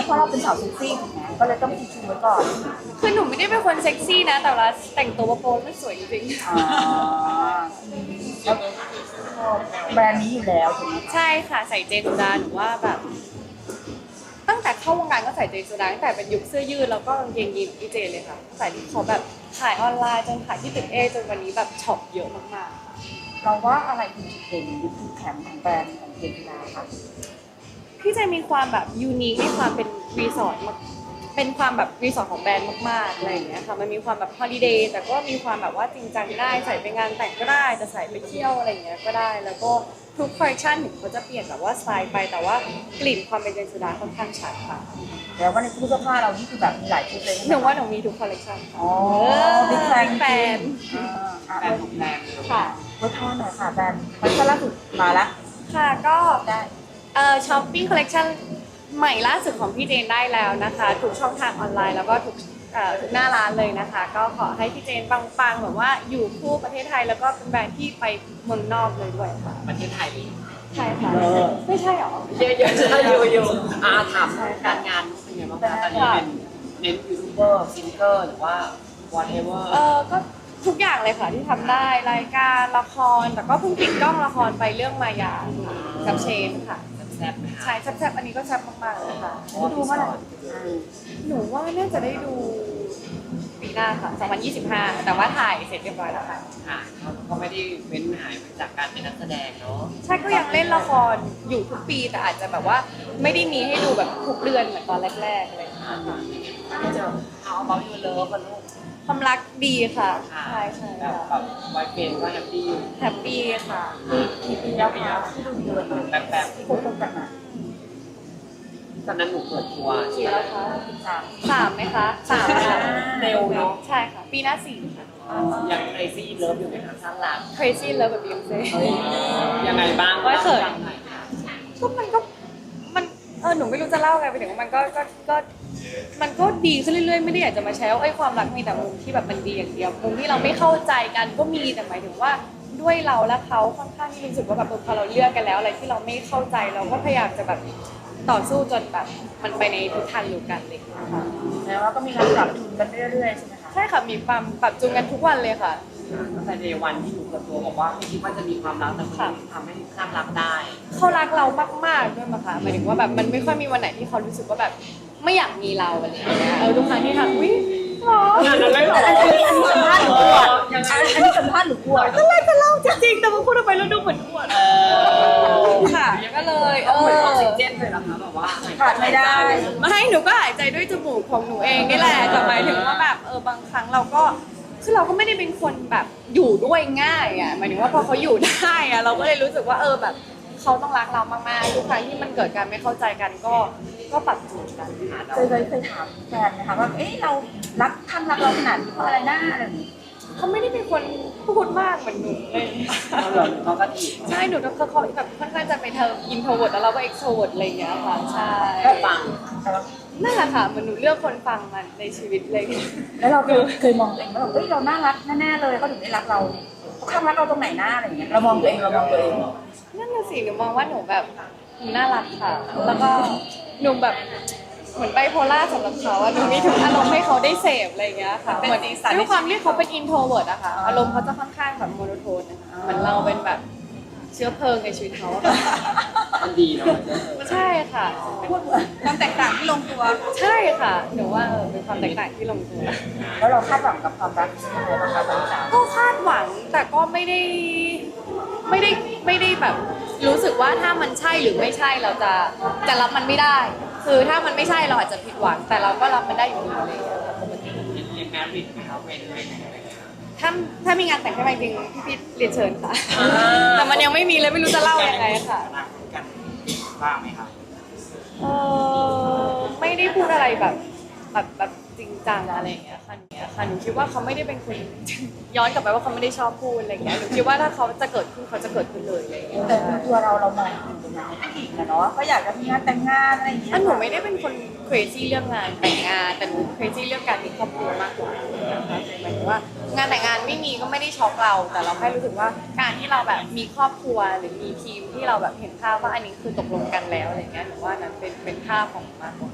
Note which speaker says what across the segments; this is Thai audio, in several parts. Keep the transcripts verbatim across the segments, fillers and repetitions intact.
Speaker 1: เพราะเราเป็นสาวเซ็กซี่ถูกไหมก็เลยต้องชูไว้ก่อน
Speaker 2: คือหนูไม่ได้เป็นคนเซ็กซี่นะแต่ว่าแต่งตัวโป๊ไม่สวยจริง
Speaker 1: อ่าแล้วแบรนด์นี้อยู่แล้วถูกไหม
Speaker 2: ใช่ค่ะใส่เจนสุดาหนูว่าแบบ ตั้งแต่เข้าวงการก็ใส่เจนสุดาตั้งแต่เป็นยุคเสื้อยืดแล้วก็กางเกงยีนพี่เจนเลยค่ะใส่ที่เขาแบบขายออนไลน์จนขายที่ตึกเอจนวันนี้แบบช็อปเยอะมากๆ
Speaker 1: เราว่าอะไรคือจุดเด่นหรือจุดแข็งของแบรนด์ของเจนจิราคะ
Speaker 2: พี่เจมีความแบบยูนิคในความเป็นรีสอร์ทเป็นความแบบรีสอร์ทของแบรนด์มากๆอะไรอย่างเงี้ยค่ะมันมีความแบบฮอลิเดย์แต่ก็มีความแบบว่าจริงจังได้ใส่ไปงานแต่งก็ได้จะใส่ไปเที่ยวอะไรอย่างเงี้ยก็ได้แล้วก็ทุกคอลเลคชันถึงเขาจะเปลี่ยนแบบว่าสไตล์ไปแต่ว่ากลิ่นความเป็นเจนสุดาค่อนข้างชัดค่ะ
Speaker 1: แล้วว่าในตู้เสื้อผ้าเรานี่คือแบบมีหลายชุดเลย
Speaker 2: หนูว่าหนูมีทุกคอลเลคชัน
Speaker 1: อ๋อบิ๊กแฟน
Speaker 2: แฟน
Speaker 1: แบรนด์ของแบรนด์
Speaker 2: ค่ะ
Speaker 1: วัฒนหน่อยค่ะแบรนด์มันก็ล่าสุดมาละ
Speaker 2: ค่ะก็
Speaker 1: ได้
Speaker 2: เอ่อช้อปปิ้งคอลเลคชันใหม่ล่าสุดของพี่เจนได้แล้วนะคะทุกช่องทางออนไลน์แล้วก็ทุกเอ่อทุกหน้าร้านเลยนะคะก็ขอให้พี่เจนปังๆแบบว่าอยู่คู่ประเทศไทยแล้วก็เป็นแบรนด์ที่ไปเมืองนอกเลยด้วยค่ะ
Speaker 3: ประเทศไทย
Speaker 2: ใช่ค่ะไม่ใช่หรอ
Speaker 3: เยอะเยอะใช่เยอะเยอะอาถามการงานเป็นไงบ้างคะตอนนี้เป็นเน้นยูทูบเบอร์ซิงเกอร์หรือว่า whatever
Speaker 2: เออก็ทุกอย่างเลยค่ะที่ทำได้รายการละครแต่ก็เพิ่งปิดกล้องละครไปเรื่องมายากับเชนค่ะ
Speaker 3: แซ่บไหมคะ
Speaker 2: ใช่แซ่บๆอันนี้ก็แซ่บมากๆเลยค่ะ
Speaker 1: ดูเมื่อไหร่
Speaker 2: หนูว่าน่าจะได้ดูปีหน้าค่ะสองพันยี่สิบห้าแต่ว่าถ่ายเสร็จเรียบร้อยแล้วค่ะ
Speaker 3: ค่ะก็ไม่ได้เว้นหายไปจากการเป็นนักแสดงเนาะ
Speaker 2: ใช่ก็ยังเล่นละครอยู่ทุกปีแต่อาจจะแบบว่าไม่ได้มีให้ดูแบบทุกเดือนเหมือนตอนแรกๆอะไรอย่างเงี้ยค่ะ
Speaker 3: ก็จะเอาเบาอยู่เลิฟกันลูก
Speaker 2: ความรักดีค่ะใช่ใช่
Speaker 3: แบบแบบบอยเฟนก็แฮปปี้
Speaker 2: แฮปปี้ค่ะ
Speaker 1: กี่ปีแล้วคะที่ดูเดือน
Speaker 3: แบบแบบ
Speaker 1: ที่คบกันมา
Speaker 3: ตอนนั้นหนูเปิดตัว
Speaker 2: กี่แล้วคะ
Speaker 1: สาม
Speaker 2: สามไหมคะสามค่ะ
Speaker 3: เร็วเนาะ
Speaker 2: ใช่ค่ะปีหน้าสี่ค่ะ
Speaker 3: ยังเครซี่เลิฟอยู่ไหมคะสร้างรัก
Speaker 2: crazy love แบบ Beyonce
Speaker 3: ยังไงบ้าง
Speaker 2: ก็เขินก็มันก็มันเออหนูไม่รู้จะเล่าไงไปถึงว่ามันก็ก็ก็มันก็ดีขึ้นเรื่อยๆไม่ได้อยากจะมาแชร์ว่าไอ้ความรักมีแต่มุมที่แบบมันดีอย่างเดียวมุมที่เราไม่เข้าใจกันก็มีแต่หมายถึงว่าด้วยเราและเขาค่อนข้างที่รู้สึกว่าแบบพอเราเลือกกันแล้วอะไรที่เราไม่เข้าใจเราก็พยายามจะแบบต่อสู้จนแบบมันไปในทิศทางเดียวกันเลยนะคะ
Speaker 1: แล้วก็มีการปรับจูนกันเรื่อยๆใช่ไหมคะ
Speaker 2: ใช่ค่ะมีความปรับจูนกันทุกวันเลยค่ะ
Speaker 3: ตั้งแต่ในวันที่หนูเปิดตัวบอกว่าไม่คิดว่าจะมีความรักแต่คนนี้ทำให้สร้างรักได้
Speaker 2: เขารักเรามากๆด้วยมั้งคะหมายถึงว่าแบบมันไม่ค่อยมีวันไหนที่เขารู้สึกว่าแบบไม่อยากมีเราอะไรอย่างเงี้ยเออทุกครั้งที่ทำวิหรอ
Speaker 3: อะไรหรอ
Speaker 1: อันนี้อันนี้สัมภาษณ์หรือกวดอันนี้สัมภาษณ์หรือกวด
Speaker 2: ก็เลยจะเล่าจริงๆแต่มาพูดไปแล้วดูเหมือนอวดค่ะก็เลยเออ
Speaker 3: เหมือนออกซิเจนเลยนะคะแบบว่า
Speaker 1: ขาดไม่ได้
Speaker 2: ไม่หนูก็หายใจด้วยจมูกของหนูเองนี่แหละแต่หมายถึงว่าแบบเออบางครั้งเราก็คือเราก็ไม่ได้เป็นคนแบบอยู่ด้วยง่ายอ่ะหมายถึงว่าพอเขาอยู่ได้อ่ะเราก็เลยรู้สึกว่าเออแบบเขาต้องรักเรามากๆทุกครั้งที่มันเกิดการไม่เข้าใจกันก็ก็ปรับจูนกัน
Speaker 1: เคยเคยเคยถามแฟนนะคะว่าเอ๊ะเรารักท่านรักเราขนาดนี้เพราะอะไรนะอะไรอย่างนี้
Speaker 2: เขาไม่ได้เป็นคนพูดมากเหมือนหนูเลย
Speaker 3: เขาก็ดี
Speaker 2: ใช่หนูเขาเขาแบบค่อนข้างจะเป็นเธออินโทรเวิร์ดแล้วเราก็เอ็กโทรเวิร์ดอะไรอย่างเงี้ยค่ะใช่
Speaker 3: ฟัง
Speaker 2: นั่นแหละค่ะเหมือนหนูเลือกคนฟังมันในชีวิตเลย
Speaker 1: แล้วเราเคยมองตัวเองว่าเอ้ยเราน่ารักแน่ๆเลยเขาถึงได้รักเราเขาข้างรักเราตรงไหนหน้าอะไรอย่างเงี้ยเรามองตัวเองเรามองตัวเอง
Speaker 2: นั่นน่ะสิหนูมองว่าหนูแบบหนูน่ารักค่ะแล้วก็หนูแบบเหมือนไบโพล่าสำหรับเขาอะหนูมีทุกอารมณ์ให้เขาได้เสพอะไรอย่างเงี้ยค่ะเหมือนด้วยความที่เขาเป็นอินโทรเวิร์ดอะค่ะอารมณ์เขาจะค่อนข้างแบบโมโนโทนนะคะเหมือนเราเป็นแบบเชื้อเพลิงในชีวิตเขาอะ
Speaker 3: มันดีเนาะ
Speaker 2: ใช่ค่ะ
Speaker 1: พูดความแตกต่างที่ลงตัว
Speaker 2: ใช่ค่ะหนูว่าเออเป็นความแตกต่างที่ลงตัว
Speaker 1: แล้วเราคาดหวังกับความรักยังไงบ้างคะตอนนี้
Speaker 2: ก็คาดหวังแต่ก็ไม่ได้ไม่ได้ไม่ได้แบบรู้สึกว่าถ้ามันใช่หรือไม่ใช่เราจะจะรับมันไม่ได้คือถ้ามันไม่ใช่เราอาจจะผิดหวังแต่เราก็รับมันได้อยู่ดีเลยปกติ
Speaker 3: เรียนแมริดไหมครับเป็นเป็นอะไรเงี้ย
Speaker 2: ถ้าถ้ามีงานแต่งให้มาจริงพี่พีทเรียนเชิญค่ะแต่มันยังไม่มีเลยไม่รู้จะเล่ายังไงค่ะ
Speaker 3: กันบ้างไหมครับ
Speaker 2: เออไม่ได้พูดอะไรแบบแบบแบบจริงจังอะไรอย่างเงี้ยค่ะเนี่ยค่ะหนูคิดว่าเขาไม่ได้เป็นคนย้อนกลับไปว่าเขาไม่ได้ชอบพูดอะไรอย่างเงี้ยหนูคิดว่าถ้าเขาจะเกิดขึ้นเขาจะเกิดขึ้นเลยอะไรอย่างเงี้ย
Speaker 1: แต่ตัวเราเรามองถึงตรงนั้นผู้หญิงนะเนาะก็อยากจะมีงานแต่งงานอะไรอย่างเงี้ย
Speaker 2: หนูไม่ได้เป็นคน crazy เรื่องงานแต่งงานแต่หนู crazy เรื่องการมีครอบครัวมากกว่านะคะหมายถึงว่างานแต่งงานไม่มีก็ไม่ได้ช็อกเราแต่เราแค่รู้สึกว่าการที่เราแบบมีครอบครัวหรือมีทีมที่เราแบบเห็นภาพว่าอันนี้คือตกลงกันแล้วอะไรเงี้ยหนูว่านั้นเป็นเป็นภาพของมากกว่า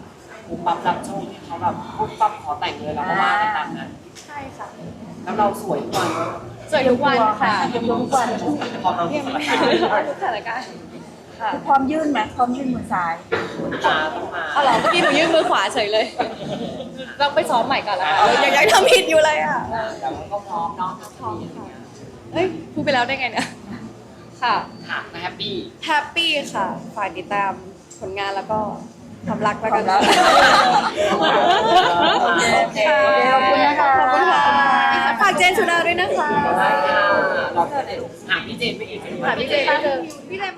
Speaker 3: ปุ๊บปั๊บรับโชคที่เขาแบบปุ๊บปั๊บขอแต่งเลยเราก็ว่าไปตามนั้น
Speaker 2: ใช่ค่ะ
Speaker 3: แล้วเราสวยทุกวันเนอะ
Speaker 2: สวยทุกวันค่ะ
Speaker 1: เตรียมตัวทุกวัน
Speaker 3: พอเรา
Speaker 2: เยี่ยม
Speaker 3: ส
Speaker 2: มา
Speaker 3: ถานการณ์
Speaker 2: กทุกสถานการณ์ค่ะ
Speaker 1: พร้อมยื่นไหมพร้อมยื่นมือซ้าย
Speaker 3: ตาต้องมา
Speaker 2: เอาเหรอเมื่อกี้หนูยื่นมือขวาเฉยเลยเราไปซ้อมใหม่ก่อนละกันยังยังทำผิดอยู่เลยอ่ะ
Speaker 3: แต่ว่าก็พร้อมเนาะพร้อมค่ะ
Speaker 2: เฮ้ยพูดไปแล้วได้ไงเนี่ยค่ะ
Speaker 3: ค่ะแฮปปี้
Speaker 2: แฮปปี้ค่ะฝากติดตามผลงานแล้วก็ความรักแล้วกัน
Speaker 1: ความรัก
Speaker 3: โอเค
Speaker 1: ขอบคุณนะคะ
Speaker 2: ขอบคุณค่ะฝากเจนสุดาด้วยนะคะ
Speaker 3: ได้ค่ะเราจะได้หาพี่เจนไปอีก
Speaker 2: ค่ะพี่เจนพี่เจน